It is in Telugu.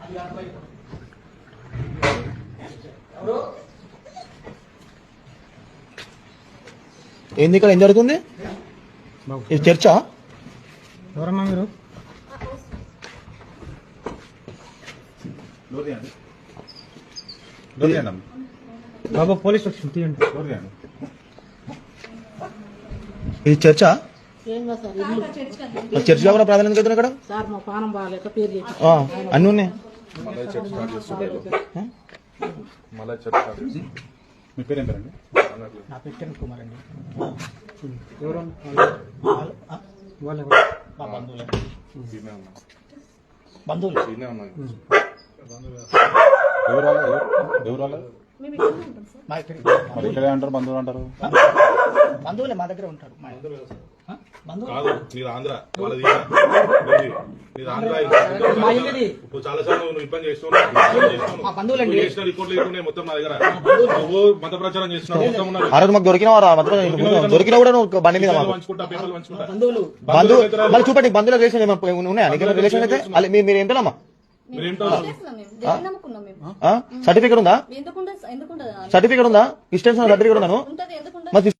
ఏంది ఇక్కడ ఏం జరుగుతుంది? ఇది చర్చా? ఎవరమ్మా మీరు? బాబా పోలీస్ వచ్చింది, తీయండి. ఇది చర్చా? చర్చ్ కాకుండా ప్రాధాన్యత కదా ఇక్కడ అన్ని ఉన్నాయి. మీ పేరు ఏం పేరండి? నా పేరు కిరణ్ కుమార్ అండి. ఎవరు? బంధువులు ఇక్కడే అంటారు, బంధువులు అంటారు. బంధువులే మా దగ్గర ఉంటారు. చాలా సార్లు నువ్వు ఇబ్బంది చేస్తున్నావు, మొత్తం నా దగ్గర నువ్వు మత ప్రచారం చేస్తున్నావు. ఆ రోజు మాకు దొరికిన దొరికినా కూడా నువ్వు బండి మీద బంధువులు మళ్ళీ చూపండి. బంధువుల రిలేషన్ ఉన్నాయా? రిలేషన్ అయితే మీరు ఏంటమ్మా? సర్టిఫికేట్ ఉందా? సర్టిఫికేట్ ఉందా? డిస్టెన్స్ సర్టిఫికేట్ ఉందా?